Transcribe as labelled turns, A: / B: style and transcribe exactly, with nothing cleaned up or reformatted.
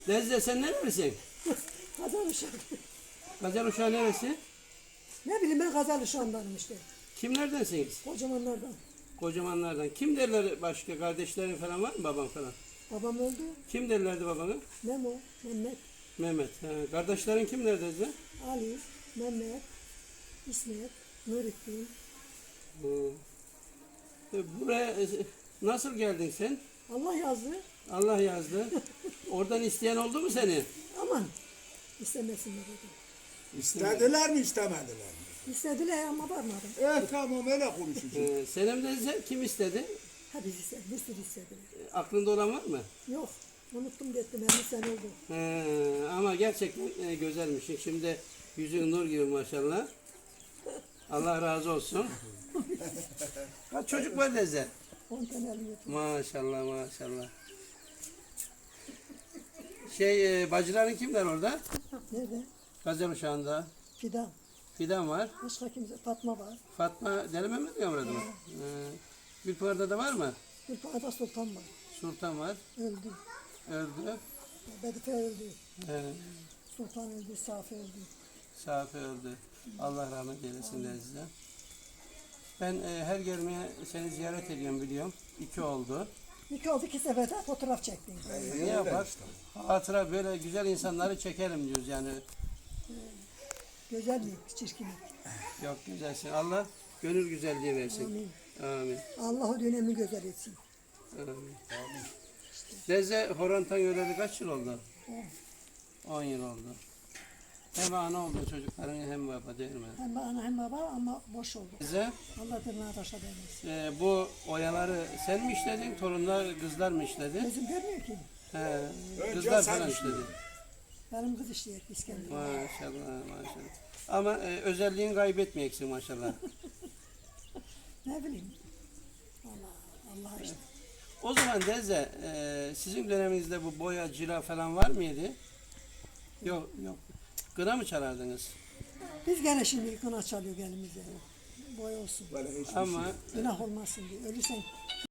A: Lezze sen nerelisin?
B: Kazan uşağı.
A: Gazel uşağı neresi?
B: Ne bileyim ben Kazan uşağındanım işte.
A: Kimlerdensiniz?
B: Kocamanlardan.
A: Kocamanlardan. Kim derler başka? Kardeşlerin falan var mı, baban falan?
B: Babam öldü.
A: Kim derlerdi babana?
B: Memo, Mehmet,
A: Mehmet. He. Kardeşlerin kim derlerdi?
B: Ali, Mehmet, İsmet, Nurettin.
A: Hı. E, Buraya e, nasıl geldin sen?
B: Allah yazdı.
A: Allah yazdı. Oradan isteyen oldu mu seni?
B: Aman istemesinler dedi.
C: İstediler mi istemediler mi?
B: İstediler ama varmadım.
C: Evet tamam öyle konuşacağız.
A: Ee, Senem teyze kim istedi?
B: Hepsi istedi, bir sürü istediler.
A: E, Aklında olan var mı?
B: Yok, unuttum gittim, elli sene oldu.
A: He, ama gerçekten e, güzelmişsin. Şimdi yüzün nur gibi maşallah. Allah razı olsun. Kaç çocuk var teyze?
B: On tane alıyor.
A: Maşallah maşallah. Şey e, bacıların kimler orada?
B: Nerede?
A: Gazel uşağında.
B: Fidan.
A: Fidan var.
B: Başka kimse, Fatma var.
A: Fatma Deli Mehmet mi yavradı mı? Ee, Gülpınar'da da var mı?
B: Gülpınar'da Sultan var.
A: Sultan var.
B: Öldü.
A: Öldü.
B: Bedife öldü.
A: Ee,
B: Sultan öldü, Safi öldü.
A: Safi öldü. Allah rahmet eylesin size. Ben e, her gelmeye seni ziyaret ediyorum biliyorum. İki oldu.
B: İki oldu, iki seferde fotoğraf çektim.
A: Ne yapar? Hatıra böyle güzel insanları çekelim diyoruz yani.
B: Güzellik, çirkinlik.
A: Yok güzelsin. Allah gönül güzelliği versin.
B: Amin.
A: Amin.
B: Allah o dönemi güzel etsin.
A: Amin. Teyze Horantan yöreli kaç yıl oldu? On yıl oldu. Hem ana oldu çocukların hem baba değil mi?
B: Hem ana hem baba ama boş oldu.
A: Teyze
B: Allah tırnağı taşa değmesin.
A: e, bu oyaları sen mi işledin? Torunlar kızlar mı işledi?
B: Gözüm görmüyor ki.
A: He,
C: Önce
A: kızlar
C: sen
A: falan
C: işledin.
A: işledi.
B: Benim kız işleyek İskender.
A: Maşallah maşallah. Ama e, özelliğini kaybetmeyeceksin maşallah.
B: Ne bileyim. Allah, Allah işte.
A: O zaman teyze e, sizin döneminizde bu boya, cila falan var mıydı? Yok yok. Kına mı çalardınız?
B: Biz gene şimdi kına çalıyor elimize. Boy olsun.
C: Böyle hiçbir
A: Ama
C: şey.
B: Günah olmasın diye. Ölürsen